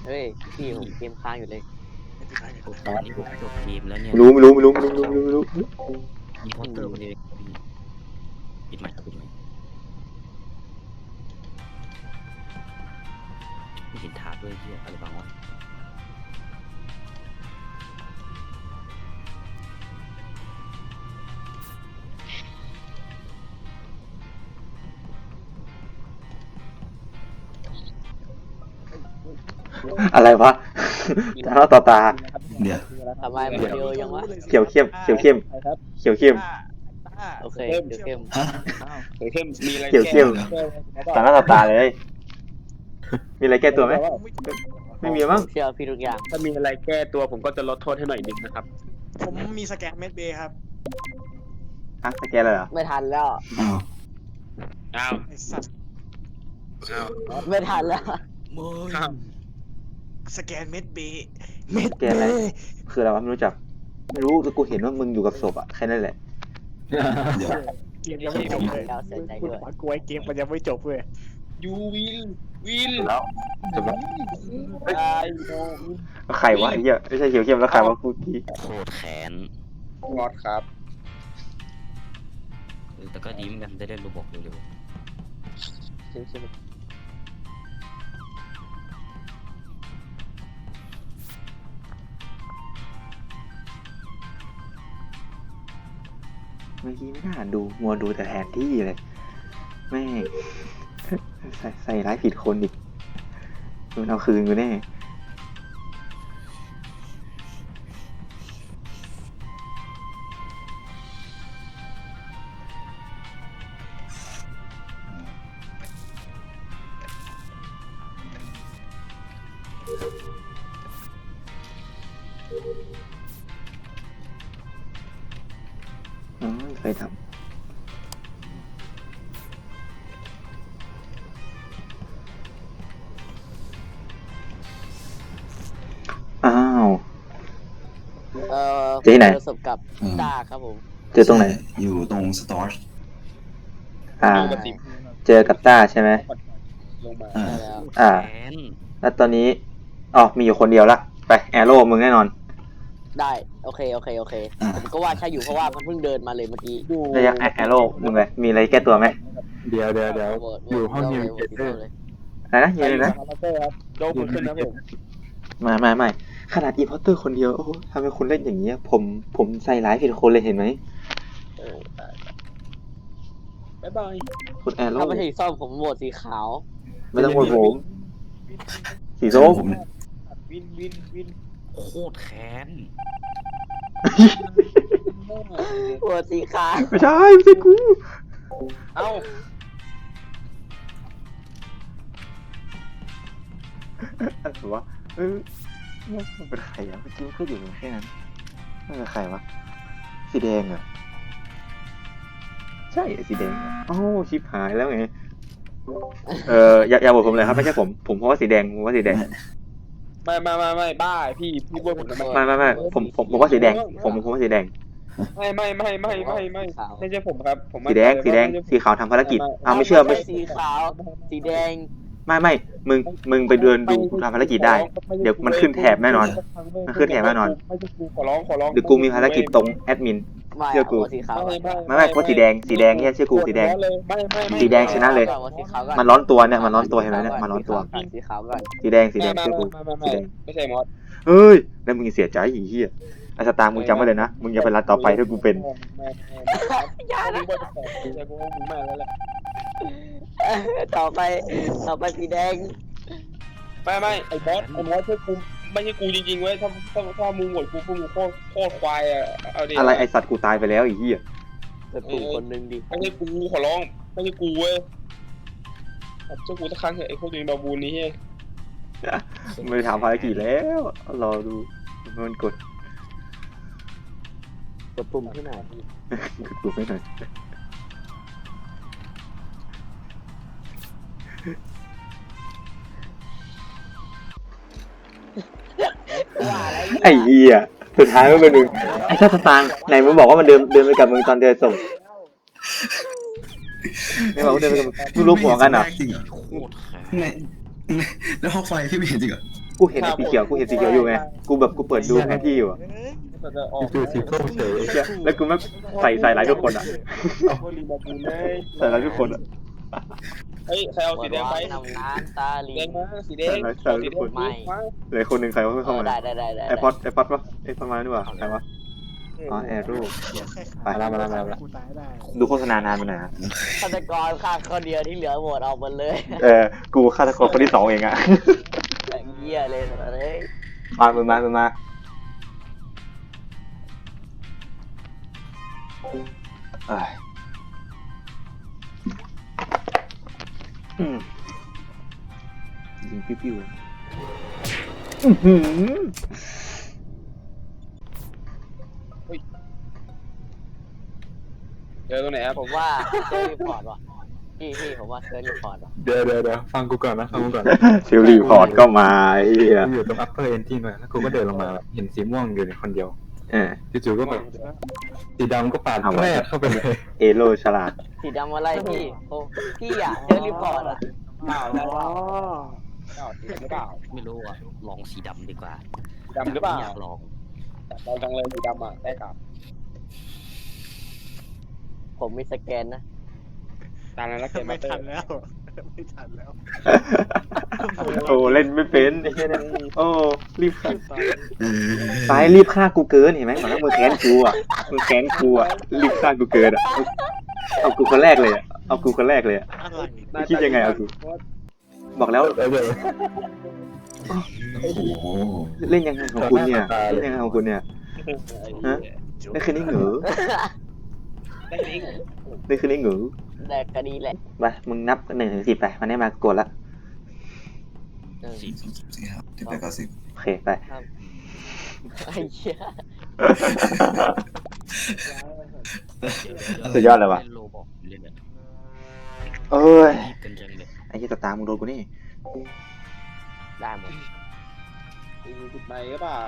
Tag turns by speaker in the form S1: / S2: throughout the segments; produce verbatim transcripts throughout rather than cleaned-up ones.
S1: เฮ้ยพี่ผมเกมค้างอยู่เลย
S2: ตอนนี้ผมจบเกมแล้วเนี่ย
S3: รู้ไม่รู้ไม่รู้ไม่รู้ไม่รู้ไม่รู้ไม่รู้
S2: มีพอสเตอร์คนเดียวปิดใหม่ปิดใหม่ไม่เห็นถาดด้วยเฮียอะไรบ้างวะ
S3: อะไรวะตาต่อตา
S4: เดี๋ยว
S1: ทำไมมันเร็วยังวะ
S3: เขียวเข้มเขียวเข้มเขียวเข้ม
S1: โอเคเดี๋ยวเข้ม
S4: ฮะ
S5: เขียวเข้มมีอะไร
S3: เขียวเข้มตาต่อตาเลย มีอะไรแก้ตัวไหมไม่มีมั้ง
S1: เชื่อพี่ทุกอย่าง
S5: ถ้ามีอะไรแก้ตัวผมก็จะลดโทษให้หน่อยนึงนะครับ
S6: ผมมีสแกนเม็ดเบย์ครับ
S3: ฮะสแกนเลยเหรอ
S1: ไม่ทันแล้ว
S4: อ้าว
S5: อ้าว
S6: ไอ้สัตว์
S5: อ้าว
S1: ไม่ทันแล้ว
S5: อ้าว
S6: สแกนเม็ดเบย์เม็ด
S3: สแก
S6: เบ
S3: นอะไร
S6: ย์
S3: คืออะไรวะไม่รู้จัก ไม่รู้แต่กูเห็นว่ามึงอยู่กับศพอะแค่นั้นแหละ
S4: เดี๋ยว
S6: เกมยังไม่จบเลย
S1: แล้วเสียใจ
S6: คุณ
S1: ด้วย
S6: ขวานกลัวไอ้เกมมันยังไม่จบเลย
S5: ยูวินวิน
S3: แล้วจบแล้ว
S5: ตายโน
S3: ใครวะไอ้เหี้ยไม่ใช่เขียวเข้มแล้วใครวะกูที
S2: โคตรแขน
S5: งอดครับ
S2: เออแต่ก็ดีเหมือนกันได้เล่นรูบอกเร็ว
S3: เมื่อกี้ไม่น่าดูมัวดูแต่แผนที่เลยแม่งใส่ใส่ร้ายผิดคนอีกมันเอาคืนกูแน่ อ๋อเคยทำอ้าว
S1: เอ่อ
S3: เจอที่ไหน
S1: ประสบกับต้าครับผม
S3: เจอตรงไหน
S4: อยู่ตรงสตอร์ช
S3: อ่า
S5: ดูกระติบ
S3: เจอกับต้าใช่ไหม
S5: ลงมา
S4: อ่า
S1: ได้แล้ว
S2: ๆ
S3: อ่า
S2: แขน
S3: แล้วตอนนี้อ๋อมีอยู่คนเดียวละ ไปแอโร่มึงแน่นอน
S1: ได้โอเคโอเคโอเคผมก็ว่าใช่อยู่เพราะว่ามันเพิ่งเดินมาเลยเมื่อกี้
S3: ระยะแอโร่มึงเลยมีอะไรแก้ตัวไหม
S5: เดี๋ยวเดี๋ยวเดี๋ยว
S1: โหวตโหวต
S5: อยู่ห้องนิว
S1: โหวต
S5: เจเตอร์
S1: เลย
S3: อะไรนะยังไงนะ
S5: โดนคุณขึ้นนะผม
S3: ไม่ไม่ไม่ขนาดอีพอตเตอร์คนเดียว โอ้โหทำไมคุณเล่นอย่างนี้ยผมผมใส่ร้ายผิดคนเลยเห็นไหม
S1: เออ
S5: บ๊ายบาย
S3: คุณแอโร่
S1: ถ้าไม่ใช่สีส้มผมโหวตสีขาว
S3: ไม่ต้องโหวตผมสีส้ม
S4: ผมเนี่ย
S5: วินวินวิน
S2: โคตรแขน
S1: โหวตสีขาว
S3: ไม่ใช่ไม่ใช่กู
S5: เอ้า
S3: อะไรวะเออมันเป็นใครอะเมื่อกี้มันก็อยู่แค่นั้นมันเป็นใครวะสีแดงเหรอใช่สีแดงเหรอโอ้ชิบหายแล้วไงเอออย่าอย่าโหวตผมเลยครับไม่ใช่ผมผมเพราะว่าสีแดงผมว่าสีแดง
S5: ไม่ไม่ไม่ไม่บ้าพี่พี่บ้าผมทำไม
S3: ไม่ไม่ไม่ผมผมผมว่าสีแดง ผมผมว่าสีแดง
S5: ไม่ไม่ไม่ไม่ไม่ไม่ไม่ใช่ผมครับผม
S3: สีแดงสีแดงสีขาวทำภารกิจอ้าวไม่เชื่อไม่
S1: ใช่สีขาวสีแดง
S3: ไม่ไม่มึงมึงไปเดินดูกูทำภารกิจได้ เดี๋ยวมันขึ้นแถบแน่นอนมันขึ้นแถบแน่นอน
S5: ไม่ใช่กูขอร้องขอร้อง
S3: เดี๋ยวกูมีภารกิจตรงแอดมิน
S1: ไม่
S3: เชื่อกู
S1: โหวตสีขาว
S5: ไม่ไม่
S3: ไม่ไม่เพราะสีแดงสีแดงเนี่ยเชื่อกูสีแดง
S5: ไม่ไม่ไม่
S3: สีแดงชนะเลย
S1: โหวตสีขาวก่อน
S3: มันร้อนตัวเนี่ยมันร้อนตัวเห็นไหมเนี่ยมันร้อนตัว
S1: สีขาวก่อน
S3: สีแดงสีแดง
S5: ไม่
S3: เชื่อกู
S5: ไม่ไม่
S3: สีแดง
S5: ไม่ใช่มอส
S3: เฮ้ยแล้วมึงเสียใจอีเหี้ยไอ้สตาร์มึงจำไว้เลยนะมึงอย่าไปรัดต่อไปถ้ากูเป็น
S1: อย่านะ
S5: แต่กูว่ามึงไม่แล้วแหละ
S1: ต่อไปต่อไปสีแดง
S5: ไม่ไม่ไอ้มอสไอ้มอสใช่กูไม่ใช่กูจริงๆเว้ยถ้าถ้าถ้ามึงโหวตกูพวกมึงโคตรโคตรควายอ่ะเอาดิ
S3: อะไรไอสัตว์กูตายไปแล้วอีเหี้ย
S1: จะตู่คนหนึงดิ
S5: ไม่ใช่กูขอร้องไม่ใช่กูเว้ยเจ้ากูสักครั้งเถอะไอ้พวกนี้บาบูนนี้เฮ้ย
S3: ไม่ได้ทำภารกิจแล้วรอดูมันกด
S1: กดปุ่มที่ไหน
S3: กดปุ่มไม่หน่อย
S1: ว่าอะไร
S3: ไอ้เหี้ยสุดท้ายมันเป็นมึงไอ้ชาติตางค์ไหนมึงบอกว่ามันเดินเดินไปกับมึงตอนเดินส่งไม่บอกว่าเดินไปกับมึงมึงรู้หัวกันเหรอ
S4: จริงเหรอ
S2: โคตรแขน
S4: ในในแล้วห้องไฟพี่ไม่เห็นจริงเหรอ
S3: กูเห็นไอ้สีเขียวกูเห็นสีเขียวอยู่ไงกูแบบกูเปิดดูแผนที่อยู่อะ
S6: เอ้ย
S5: ก็จะออก
S2: คือสีส้มเฉย
S3: เหี้ยแล้วกูแม่งใส่ใส่ร้ายทุกคนอ่ะ
S5: ก็รีบมาบูเลย
S3: ใส่ร้ายทุกคนอ่ะ
S5: เฮ้ยใครเอาสีแดงไป
S1: นำน้ำตาลี
S5: แดงมาสีแดงเอาสีแดงมา
S3: เหลยคนหนึ่งใครวะ
S1: เอ
S3: เข้า
S1: อ
S3: มา
S1: ได้ได้ได้ได้
S3: ไอพอดไอพอดวะไอพอดมาดีกว่าใครวะอ๋อแอร์รู
S6: เหี้ยแค่ขา
S3: ไปแล้วมาแล้วมาแล้ว
S6: กูตายได้
S3: ดูโฆษณานานไปหน่อยนะ
S1: ฆาตกรฆ่าคนเดียวที่เหลือหมดเอาหมดเลย
S3: เออกูฆาตกรคนที่สองเองอ่ะ
S1: แต่เหี้ยเลยสัตว์เลย
S3: มามามามามาเอ้ยอืมยิงปิ้วๆเลยอื้อหือ
S5: เจอตรงไหนครับ
S1: ผมว่าเซอร์รีพอร์ตว่ะพี่พี่ผมว่าเซอร์รีพอร์ตว่ะ
S2: เดี๋ยวเดี๋ยวเดี๋ยวฟังกูก่อนนะฟังกูก่อน
S3: ซิลรีพอร์ตก็มาไอ้เหี้ย
S2: กูอยู่ตรง upper engine เลยแล้วกูก็เดินลงมาเห็นสีม่วงอยู่ในคนเดียว
S3: เออ
S2: จู่ๆก็แบบสีดำก็ปาด
S3: ทำไม
S2: แรกเข้าไปเลย
S3: เอโลฉลาด
S1: สีดำอะไรพี่โอ้พี่อ่ะเซอร์รีพอร์ตอ่ะ
S5: เปล่า
S6: อ๋
S5: แล้ว
S6: อ
S5: เปล่าสีหรือเปล่า
S7: ไม่รู้อ่ะ ลองสีดำดีกว่า
S5: ดำหรือเปล่า
S7: อยากลอง
S5: ลองจังเลยสีดำอ่ะได้กับ
S1: ผมมีสแกนนะ
S5: ตามนั้นแล้วเก็บ
S6: ไม่
S5: มาเตอ
S6: ทัน
S5: ร์
S6: แล้วไม่ทันแล้ว
S3: โอ้เล่นไม่เป็นไอ้เหี้ยนั่นโอ้รีบฆ่า
S4: เออ
S3: สายรีบฆ่ากูเกินเห็นไหมบอกแล้วมึงแค้นกูอ่ะมึงแค้นกูอ่ะรีบฆ่ากูเกินอ่ะเอาเอากูคนแรกเลยอ่ะเอากูคนแรกเลยอ่ะ
S6: อะไร
S3: ไม่คิดยังไงเอากูบอกแล้ว
S2: เดี๋ยวเดี๋ยว
S4: โอ้โห
S3: เล่นยังไงของคุณเนี่ยเล่นยังไงของคุณเนี่ยฮะได้คืนนี้เหงือ
S5: ได้ลิงก์
S3: ได้คืนนี้เหงือ
S1: แต่ก็ดีแหละ
S3: ไปมึงนับหนึ่งถึงสิบไปมันได้มากดละ
S1: เออ
S4: สี่สิบสี่ครับที่แปดเก้าสิบ
S3: โอเคไป
S1: ไอ้เหี้ย
S3: สุดยอดเลยว่ะ
S7: เล่นโลบอกเล่นเนี่ย
S3: เอ้ย
S7: รีบกันจังเลย
S3: ไอ้ที่ตาตามึงโดนกูนี่
S1: ได้หมด
S5: มีผิดไหมหรือเปล่า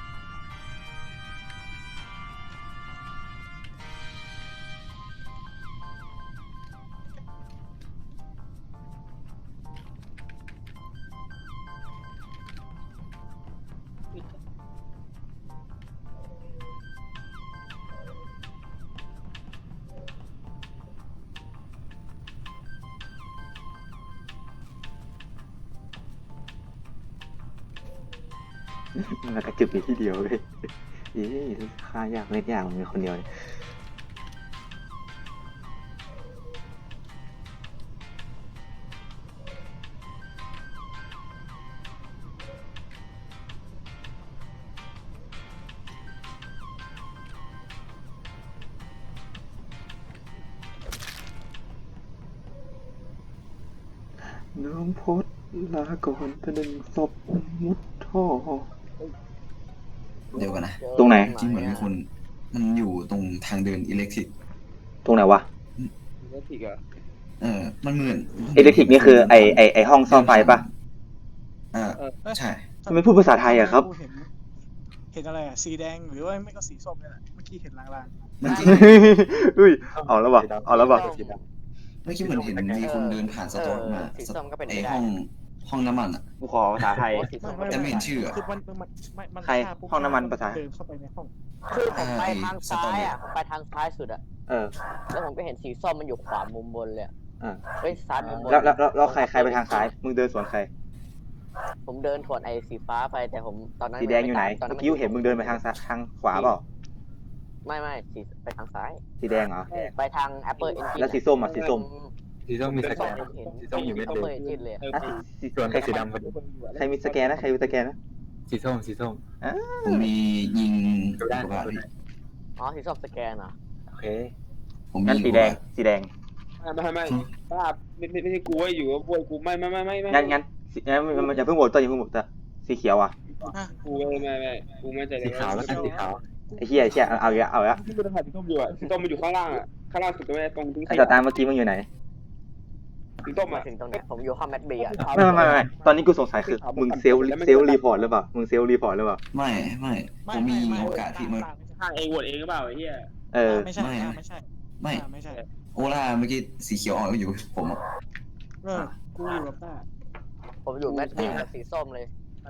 S3: มันกระจุกอยู่ที่เดียวเลยเอ๊ะฆ่ายากเล่นยากมันมีคนเดียวเลยน้องพดลาก่อนตะดึงศพมุดท่อ
S4: เดี๋ยวกันนะ
S3: ตรงไหน
S4: จริงเหมือนมีคน มันอยู่ตรงทางเดินอิเล็กทริก
S3: ตรงไหนวะ
S5: เลือกผิดเหรอ
S4: เออ มันเหมือน
S3: อิเล็กทริกนี่คือไอไอไอห้องซ่อมไฟปะ
S4: อ่าใช่
S3: ทำไมพูดภาษาไทยอะครับ
S6: เห็นเห็นอะไรอ่ะสีแดงหรือว่าไม่ก็สีส้มนี่แหละเมื่อกี้เห็นลาง
S4: มันจริง
S3: อุ้ยเอาแล้ววะเอาแล้ววะ
S4: เมื่อกี้เหมือนเห็นมีคนเดินผ่านสตอร์มา
S1: สีส้มก็เป็น
S4: ไอ
S1: ไปได้
S4: ห้องห้องน้ำมันอ่ะ
S3: กูขอภาษาไทย
S1: สี
S6: ๆ
S1: ส้ม
S6: ไม่
S1: ก็
S6: ไม่
S1: เป็น
S4: แต่ไม่เห็นชื่ออะ
S6: คือมันมันมันมัน
S3: ใคร
S6: ฆ่าปุ๊บ
S3: ห้องน้ำมันภาษา
S6: เดินเข้าไปในห้อง
S1: คือผมไปทางซ้ายอ่ะผมไปทางซ้ายสุดอ่ะ
S3: เออ
S1: แล้วผมก็เห็นสีส้มมันอยู่ขวามุมบนเลยอะ
S3: อ่า
S1: เฮ้ยซ้ายมุมบน
S3: แล้วแล้วแล้วแล้วใครใครไปทางซ้าย มึงเดินสวนใคร
S1: ผมเดินถวนไอ้สีฟ้าไปแต่ผมตอนนั้น
S3: สีแดงอยู่ไหน
S1: ตอนนั้
S3: เมื่อน กี้กูเห็นมึงเดินไปทางซ้ายทางขวาเปล่า
S1: ไม่ไม่สีไปทางซ้าย
S3: สีแดงเหรอ
S1: ไปทาง Apple Engine
S3: แล้วสีส้มอ่ะสีส้ม
S2: สีส้มมีสแก
S1: ส้ม
S2: น
S1: ผมเห็น
S2: สีส้มอยู่เม็ดเดียว
S1: Apple Engine เลยอะ
S5: เออ
S3: อ่ะสี
S2: ส่วนกับสีดำพอดี
S3: ใครมีสแกนนะ ใครมีสแกนนะ
S2: สีส้มสีส้ม
S4: ผมมียิง
S2: ดูได้
S4: อุกกาบาต
S2: ดูได้
S1: อ๋อสีส้มสแกนเหรอ
S3: โอเค
S4: ผมมี
S3: งั้นสีแดง สีแดง
S5: ไม่ไม่ไม่บ้าไม่ไม่ไม่ใช่กูไอ้อยู่กับพวกกูไม่ไม่ไม่ไม่ไม่
S3: งั้นงั้นสีงั้นมันอย่าเพิ่งโหวตตัวอย่าเพิ่งโหวตตัวสีเขียวอ่ะ
S5: กูไม่ไม่ไม่กูไม่ใจ
S2: สีขาวแล้วกันสีขาว
S3: ไอ้เหี้ยไอ้เหี้ยเอาเอาอีกแล้วเอาอีกแล้ว
S5: ที่กูจะถ่ายสีส้มอยู่อ่ะสีส้มมันอยู่ข้างล่างอ่ะข้างล่างสุดตรงนี้ตรงทิ้ง
S3: ไอ้สตาร์เมื่อกี้มึงอยู่ไหน
S5: สีส้ม
S1: มา
S5: อ่ะ
S1: ถึงตรงเนี้ยผมอยู่ห้องแมทเบียร์
S3: ไม่ไม่ไม่ไม่ตอนนี้กูสงสัยคือ มึงเซลล์เซลล์รีพอร์ตหรือเปล่า มึงเซลล์รีพอร์ตหรือเปล่า
S4: ไม่ไม่ผมมียิงโอกาสที่มัน
S5: ข้างเองโหวตเองหรือเปล่าไอ้เหี้ย
S3: เออ
S6: ไม่ใช่
S4: ไม่
S6: ไม่ใช่
S4: ไม่
S6: ไม่ใช่
S4: โอล่าเมื่อกี้สีเขียวอ่อนก็อยู่ผมอะ
S6: เออกูอยู่กับต้า
S1: ผมอยู่แมทเบียร์กับสีส้มเลย
S5: อ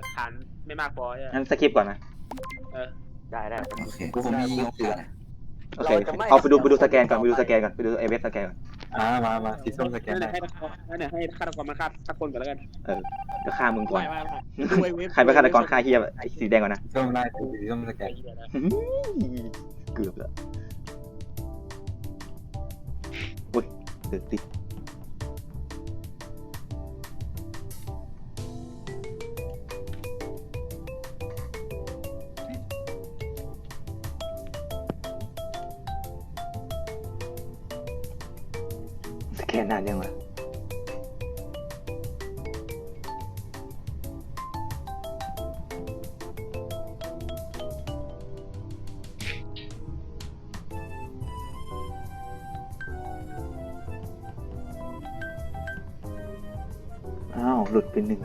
S5: หลักฐานไม่มากพอใช่ไหม
S3: งั้นสคิปก่อนนะ
S5: เออ
S1: ได้ได้
S4: โอเคกูคงไม่ยิงโอกาส
S3: โอเคเอาไปดูไปดูสแกนก่อนไปดูสแกนก่อนไปดูไอเว็บสแกนก่อน
S2: อ่ามามาสีส้มสแกน
S5: นั่น
S2: ได้
S5: ให้ฆาตกรนั่นให้ฆาตกรมาฆ่าสักคนก่อนแล้วกัน
S3: เออเดี๋ยวฆ่ามึงก่อน
S6: ไม่ไม่ไม่ดูไอ้เว็บ
S3: ใครเป็นฆาตกรฆ่าเฮียไอ้สีแดงก่อนนะ
S2: สีส้มได้สีส้มสแก
S5: ไอ้
S2: น
S5: เหี้ยนะ
S3: เกือบแล้วอุ้ยเดือดติดสแกนนานยังวะอ้าวหลุดไปหนึ่ง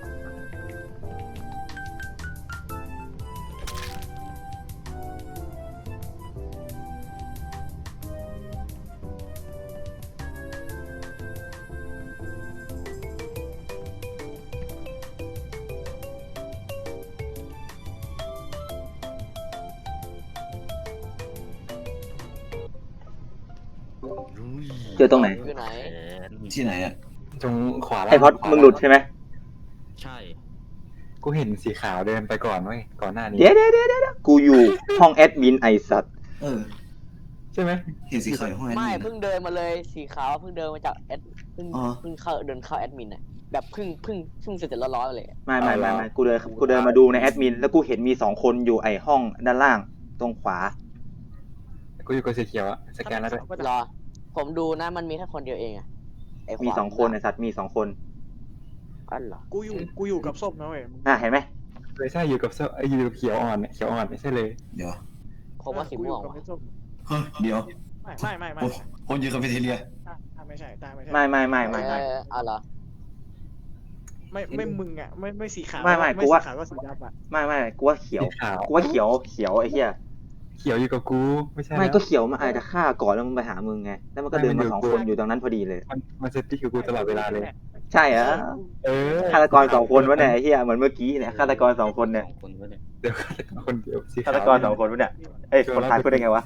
S3: เจอตรงไหน
S1: อยู่ไหน
S4: ที่ไหนอ่ะ
S2: ตรงขวาล่าง
S3: ไอพอดมึงหลุดใช่ไหม
S7: ใช่
S2: กูเห็นสีขาวเดินไปก่อนเว้ยก่อนหน้านี้
S3: เดี๋ยวเดี๋ยวเดี๋ยวเดี๋ยวกูอยู่ห้องแอดมินไอสัตว์
S4: เออ
S2: ใช่ไหม
S4: เห็นสีขาวอยู่ห้องแอด
S1: ไม่
S4: มิน
S1: เพิ่งเดินมาเลยสีขาวเพิ่งเดินมาจากแอดเพิ่ง
S4: อ๋อ
S1: เพิ่งเข้าเดินเข้าแอดมินน่ะแบบเพิ่งเพิ่งเพิ่งเสร็จๆร้อนๆเลย
S3: ไม่ไม่ไม่ไม่กูเดินกูเดินมาดูในแอดมินแล้วกูเห็นมีสองคนอยู่ไอห้องด้านล่างตรงขวา
S2: กูอยู่กับสีเขียวอะสแกนแล้วด้วย
S1: รอ ผมดูนะมันมีแค่คนเดียวเองอะไขวา
S3: มีสองคนไอสัตว์มีสองคน
S1: อ๋อเหรอ
S6: กูอยู่กูอยู่กับส้มนะเว้ย
S3: อ่ะเห็นไหม
S2: เลยใช่อยู่กับเสื้อเอ้ยอยู่กับเขียวอ่อนเนี่ยเขียวอ่อนไม่ใช่เลย
S4: เดี๋ยว
S1: ผมว่าสีม่วง
S6: กูอยู่กับ
S1: ว่ะ
S6: ไอ้ส้ม
S4: เฮ้ยเดี๋ยว
S6: ไม่ไม่ไม่ไม่
S4: โอ้คนอยู่คาเฟ่เทเลีย
S6: อ่ะอ่ะไม่ใช่ตาไม่ใช่
S3: ไม่ไม่ไม่ไม่ไม่
S1: เออเอาเหรอ
S6: ไม่ไม่มึงอ่ะไม่ไม่สีขาว
S3: ไม่ไม่
S6: ไม่
S3: กูว่า
S6: สีขาวก็สีดำอ่ะ
S3: ไม่ไม่กูว่าเขียว
S2: สีขาว
S3: กูว่าเขียวเขียวไอ้เหี้ย
S2: เขียวอยู่กับกูไม่ใช่
S3: ไม่
S2: แล้ว
S3: ก็เขียวมาอาจจะฆ่าก่อนแล้วมึงไปหามึงไงแล้วมันก็เดินมาสองคนอยู่ตรงนั้นพอดีเลย
S2: มันมันเซตติ้งกับกูตลอดเวลาเลย
S3: ใช่เหรอ
S2: เออ
S3: ฆาตกรสองคนวะเนี่ยไอ้เหี้ยเหมือนเมื่อกี้เนี่ยฆาตกรสองคนเนี่ย
S7: สองคนวะเนี่ย
S2: เดี๋ยวฆาตกรคนเดียวสี
S3: ฆา
S2: ขาว
S3: ตกรสองคนวะเนี่ยเอ้ยคนตายพูดได้ไงวะ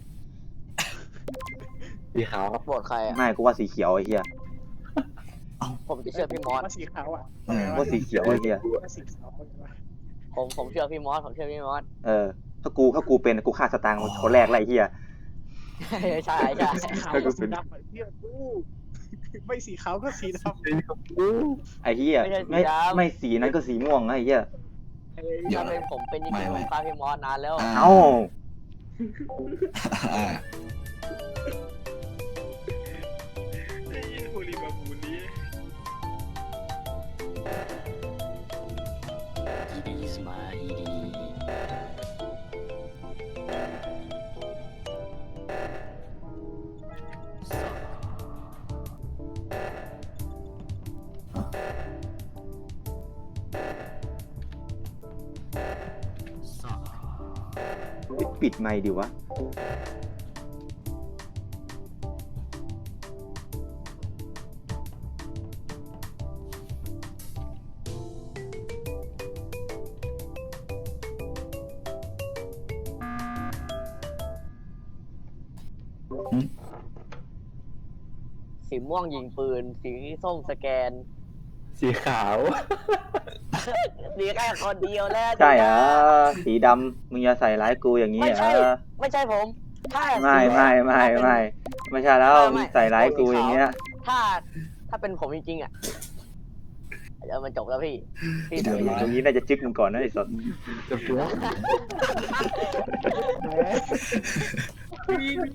S2: สีขาวครับ
S1: โหวตใครอะ
S3: ไม่กูว่าสีเขียวไอ้เหี้ย
S1: ผมจะเชื่อพี่มอส
S6: ว่าสีขาวอ่ะ
S4: เออ
S3: กูว่าสีเขียวไอ้เหี้ย
S6: ว่าสีขาวเอาไงวะ
S1: ผมผมเชื่อพี่มอสผมเชื่อพี่มอส
S3: เออถ้ากูถ้ากูเป็นกูฆ่าสตางค์คนแรกเลยไอ้เหี้ย
S1: ใช่ใช่ใช่
S6: สีขาวก็สีดำอ่ะเที่ยกูไม่สีขาวก็สีดำ
S2: สีกับกู
S3: ไอ้เหี้ยไม่ไม่สีนั้นก็สีม่วงไอ้เหี้ย
S4: เดี๋ยว
S1: ถ้าเป็นผมเป็นจริง
S4: ไม่
S1: ๆผ
S4: ไม่
S1: มฆ่าพี่มอสนานแล้ว
S4: อ่า
S3: เอ้า
S4: อ่า
S5: ไอ้ยี่ฮูลีบาบูนี้
S7: อีดีสมาอีดีสัก
S3: ปิดไมค์ดิวะ
S1: สีม่วงยิงปืน สีส้มสแกน
S2: สีขาว
S1: สีแค่คนเดียวแล้ว
S3: ใช่เหรอสีดำมึงอย่าใส่ร้ายกูอย่างนี้
S1: ไม่
S3: เหร
S1: ใช่
S3: อ
S1: ไม่ใช่ผมถ้า
S3: ไม่ไม่ไม่ไม่ไม่ใช่แล้วมึงใส่ร้ายกูอย่างเงี้ย
S1: ถ้าถ้าเป็นผมจริงๆอ่ะเดี๋ยวมันจบแล้วพี่พี่
S3: ตรงนี้น่าจะจึ๊กมึงก่อนนะไอ้สด
S2: จะเปลือก
S6: แหม